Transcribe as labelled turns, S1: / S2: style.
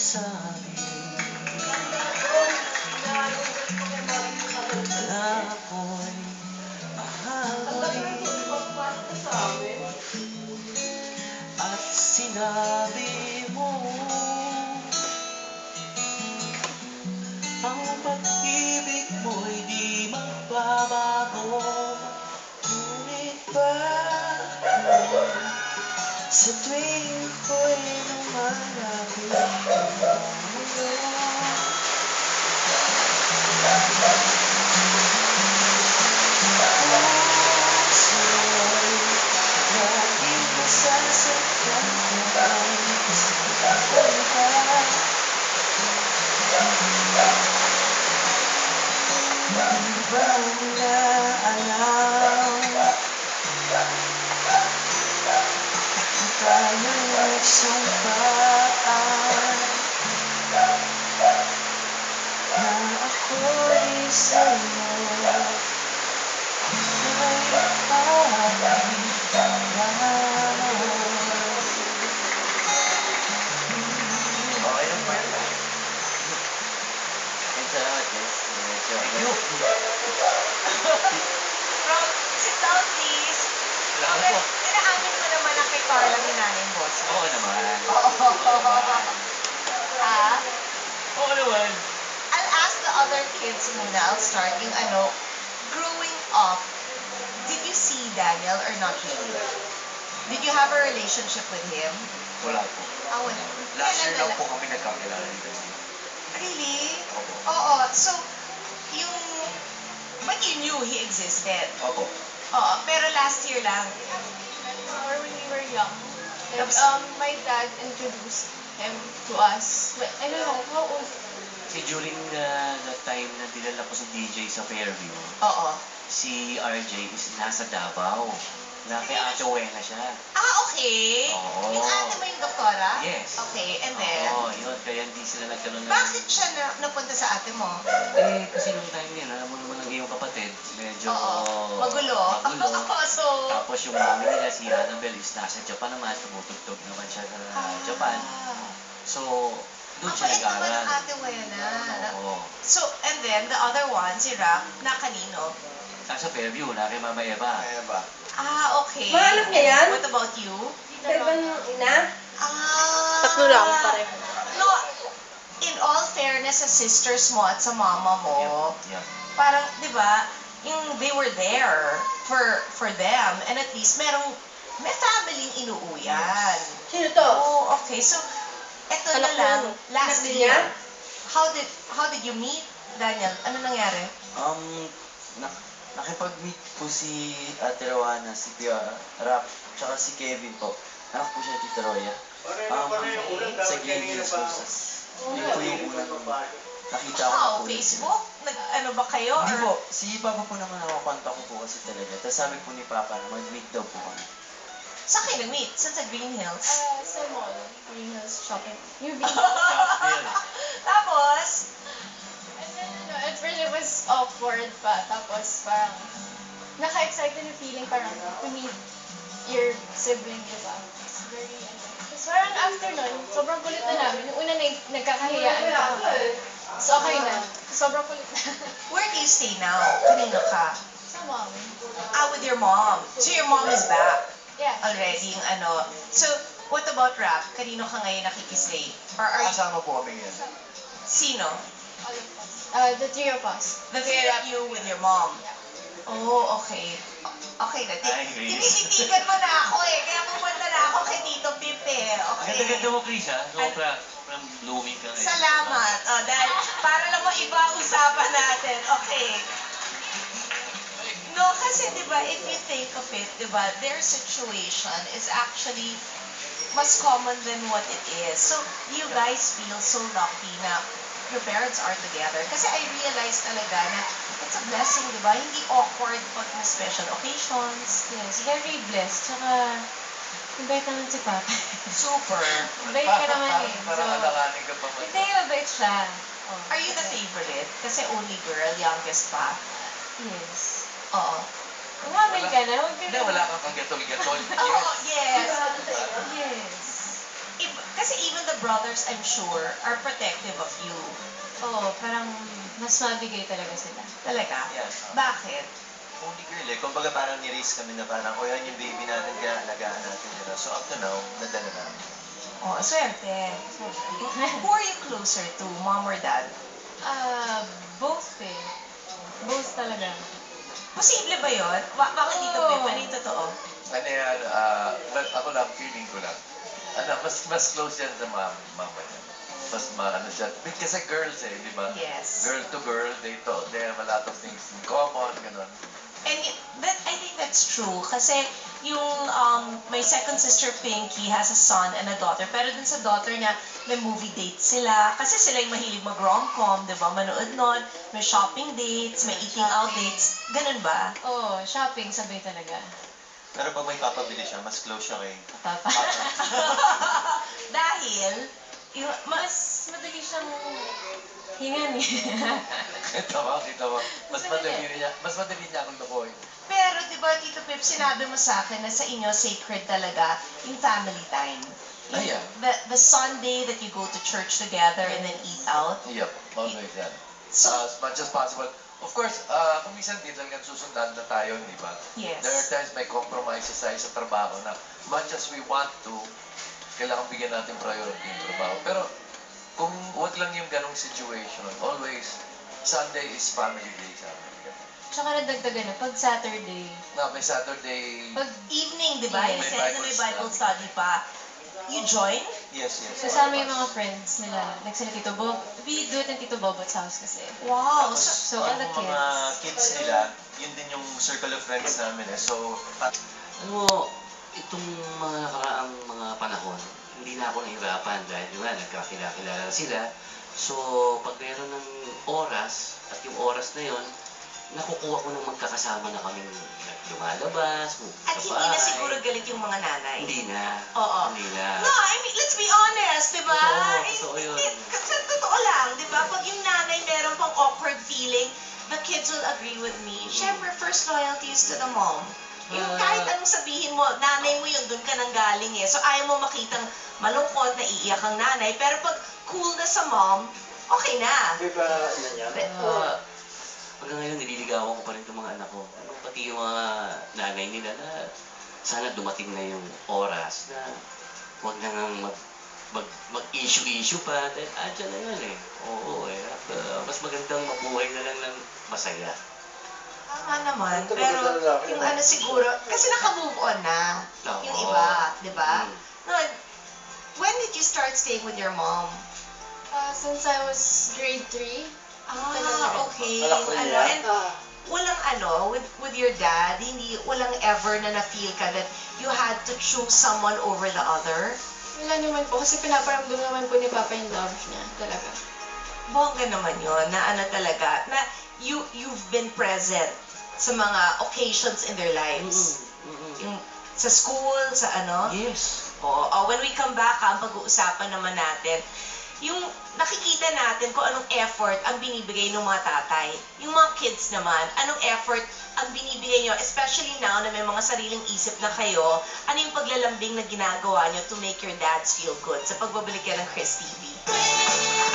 S1: sabi na ako'y mahal mo rin. At sinabi mo ang pag-ibig mo'y di magbabago. Ngunit bakit sa tuwing ko'y lumalapit sa'yo, puso'y laging nasasaktan kapag salita. Di ba nila alam kung tayo nagsumpaan na ako'y sa'yo ay pakiramdam. Okay lang po yun. Thank you.
S2: Rob, sit down please.
S1: Salamat po.
S2: Inaamin mo naman na kay Carla minana yung boss.
S1: Oo naman.
S2: Ah?
S1: Oo naman.
S2: I'll ask the other kids muna. I'll start yung growing up, did you see Daniel or not really? Did you have a relationship with him?
S1: Wala po.
S2: Ah, wala.
S1: Last year
S2: Kailan
S1: lang po kami nagkakilala dito.
S2: Really?
S1: Opo.
S2: Oo. So, yung... But you knew he existed.
S1: Opo.
S2: Oo. Pero last year lang.
S3: Or when we were young. Like,
S2: Tapos-
S3: my dad introduced him to us. But I don't know, how old?
S1: Kasi during the time na dinala ko si DJ sa Fairview,
S2: Oo.
S1: si RJ is nasa Davao. Na kay Ate Wena siya.
S2: Ah, okay.
S1: Oo.
S2: Yung ate mo yung doktora?
S1: Yes.
S2: Okay, and then?
S1: Oo, yun. Kaya hindi sila nagkaroon ng...
S2: Bakit siya napunta sa ate mo?
S1: Eh, kasi nung time yun, alam mo naman ang iyong kapatid, medyo...
S2: Oo. Magulo.
S1: Magulo.
S2: So,
S1: Tapos yung mami nila, si Annabelle, is nasa Japan naman. Tumutugtog naman siya sa Japan. So, doon siya
S2: Mabait naman
S1: nag-aaral.
S2: ang ate Wena.
S1: Oo.
S2: So, and then, the other one, si Rap, na kanino?
S1: Nasa Fairview, na kay Mama Eva.
S2: Ah, okay.
S4: Mahanap niya yan?
S2: What about you?
S4: Pero ba nung ina?
S2: Ah.
S3: Tatlo lang, pareho.
S2: No, in all fairness sa sisters mo at sa mama mo,
S1: Yeah.
S2: parang, di ba, yung they were there for them, and at least may family inuuyan.
S4: Sino to?
S2: Oh, okay. So, eto na
S3: Anak mo,
S2: lang,
S3: ano?
S2: last
S4: Anak
S2: year.
S4: niya?
S2: How did you meet, Daniel? Ano nangyari?
S5: Nakipag-meet po si Ate Rowana, si Pia Rap, tsaka si Kevin po. Anak po siya ni Tita Roya. Sa Gay Hills po. Yun po yung unang nakita ko na
S2: Wow,
S5: po.
S2: Facebook? Ano ba kayo?
S5: Hindi
S2: Or-
S5: po, si Papa po naman nakakontak ko po kasi talaga. Tapos sabi po ni Papa na mag-meet daw po kami.
S2: Saan kayo nag-meet? Saan sa Green Hills?
S3: Sa mall, Green Hills Shopping. Yung
S2: Tapos,
S3: And then, at first it was awkward pa. Tapos parang, naka-excited na feeling parang to meet your sibling, di ba? It's very, Tapos parang after nun, sobrang kulit na namin. Yung una nagkakahiyaan pa. So okay na. Sobrang kulit na.
S2: where do you stay now? Kanino ka?
S3: Sa mom.
S2: Ah, with your mom. So your mom is back
S3: Yeah.
S2: already. Yung ano. So, what about Rap? Kanino ka ngayon nakikistay? Or are you...
S5: Kasama po kami ngayon.
S2: Sino?
S3: All of us. The three of us.
S2: The three of you with your mom. Oh, okay. Okay na.
S1: Ay, Grace.
S2: Tinititigan mo na ako eh. Kaya pumunta na ako kay Tito Pip eh.
S1: Ang
S2: Okay.
S1: ganda-ganda mo, Chris, ha? Sobra. From blooming ka ngayon.
S2: Salamat. Oh, dahil para lang maiba ang usapan natin. Okay. No, kasi di ba, if you think of it, di ba, their situation is actually mas common than what it is. So, you guys feel so lucky na your parents are together. Kasi I realized talaga na it's a blessing, di ba? Hindi awkward pag may special occasions.
S6: Yes, very blessed. Tsaka, mabait naman si Papa.
S2: Super.
S6: Mabait ka naman eh.
S5: Parang
S6: So,
S5: alakanin ka pa.
S6: hindi, mabait siya. Oh.
S2: Are you the favorite? Kasi only girl, youngest pa.
S6: Yes.
S2: Oo.
S6: Umamil ka na, huwag ka
S5: Hindi,
S6: na.
S5: wala kang paggatol-gatol.
S2: Oo, yes.
S6: Yes.
S2: Kasi even the brothers, I'm sure, are protective of you.
S6: Oo, parang mas mabigay talaga sila.
S2: Talaga?
S5: Yeah.
S2: Bakit?
S5: Only girl eh. Kumbaga parang ni-raise kami na parang, o yan yung baby natin, kaya alagaan natin yun. So up to now, nadala namin.
S2: Oh, swerte. Who are you closer to, mom or dad?
S6: Both eh. Both talaga.
S2: Posible ba yun? Bakit dito,
S6: Oo.
S2: Pep? Ano yung totoo?
S7: Ano yan, well, ako lang, feeling ko lang. Mas close yan sa mama niya. Mas ano siya. Kasi girls eh, di ba?
S2: Yes.
S7: Girl to girl, they have a lot of things in common, ganun.
S2: And I think that's true. Kasi yung my second sister Pinky has a son and a daughter. Pero dun sa daughter niya, may movie date sila. Kasi sila yung mahilig mag-rom-com, di ba? Manood nun. May shopping dates, may eating out dates. Ganun ba?
S6: Oo, shopping sabay talaga.
S5: Pero pag may papabili siya, mas close siya kay
S6: Papa.
S2: Dahil, yung,
S6: Mas madali siyang hingan eh.
S7: Kita mo. Mas madali niya akong lukoy.
S2: pero di ba, Tito Pip, sinabi mo sa akin na sa inyo sacred talaga yung family time. Yung,
S7: Ah, yeah.
S2: the Sunday that you go to church together and then eat out.
S7: Yep, always yan.
S2: So,
S7: As much as possible. Of course, kung minsan di talagang susundan na tayo, di ba?
S2: yes.
S7: There are times may compromises tayo sa trabaho na much as we want to, kailangan bigyan natin priority yung trabaho. Pero kung wag lang yung ganong situation, always, Sunday is family day sa amin.
S6: Tsaka nadagdagan na, pag Saturday,
S7: Na may Saturday,
S6: pag
S2: Evening, di ba?
S6: Yes.
S2: You
S7: May
S2: said na
S7: Bible
S2: may Bible
S7: study.
S2: study pa. You join?
S5: Yes.
S6: kasama yung mga friends nila, like sila Tito Bob, we do it in Tito Bobot's house kasi.
S2: Wow.
S5: Tapos,
S2: So,
S6: So, all the
S5: yung mga
S6: kids.
S5: kids nila, yun din yung circle of friends namin eh. So,
S1: Alam mo, itong mga nakaraang mga panahon, hindi na ako nahirapan dahil yung nga, nagkakilala sila. So, pag meron ng oras, at yung oras na yon, nakukuha ko ng magkakasama na kaming lumalabas,
S2: at
S1: sa
S2: hindi na
S1: bahay.
S2: siguro galit yung mga nanay.
S1: Hindi na.
S2: Oo.
S1: Hindi na.
S2: No, I mean, let's be honest, di ba?
S1: Totoo yun.
S2: Kasi totoo lang, di ba? Pag yung nanay meron pang awkward feeling, the kids will agree with me. Siyempre, first loyalty is to the mom. Yung kahit anong sabihin mo, nanay mo yun, dun ka nang galing eh. So, ayaw mo makitang malungkot, naiiyak ang nanay. Pero pag cool na sa mom, okay na.
S1: Hanggang ngayon, nililigawan ko pa rin itong mga anak ko. Pati yung mga nanay nila na sana dumating na yung oras na huwag na nga mag-issue pa. Dahil andyan na yun eh. Oo eh. At, mas magandang mabuhay na lang ng masaya.
S2: Tama naman, pero yung ano siguro, kasi naka-move on na yung iba, di ba? No, when did you start staying with your mom?
S3: Since I was grade 3.
S2: Okay. Ano, and walang with your dad, walang ever na na-feel ka that you had to choose someone over the other?
S3: Wala naman po, kasi pinaparamdam naman po ni Papa yung love niya, talaga.
S2: Bongga naman yun, na ano talaga, na you've been present sa mga occasions in their lives. Yung sa school, sa ano?
S1: Yes.
S2: Oo. When we come back, ang pag-uusapan naman natin, yung nakikita natin kung anong effort ang binibigay ng mga tatay. Yung mga kids naman, anong effort ang binibigay nyo, especially now na may mga sariling isip na kayo, ano yung paglalambing na ginagawa nyo to make your dads feel good sa pagbabalik yan ng Chris TV?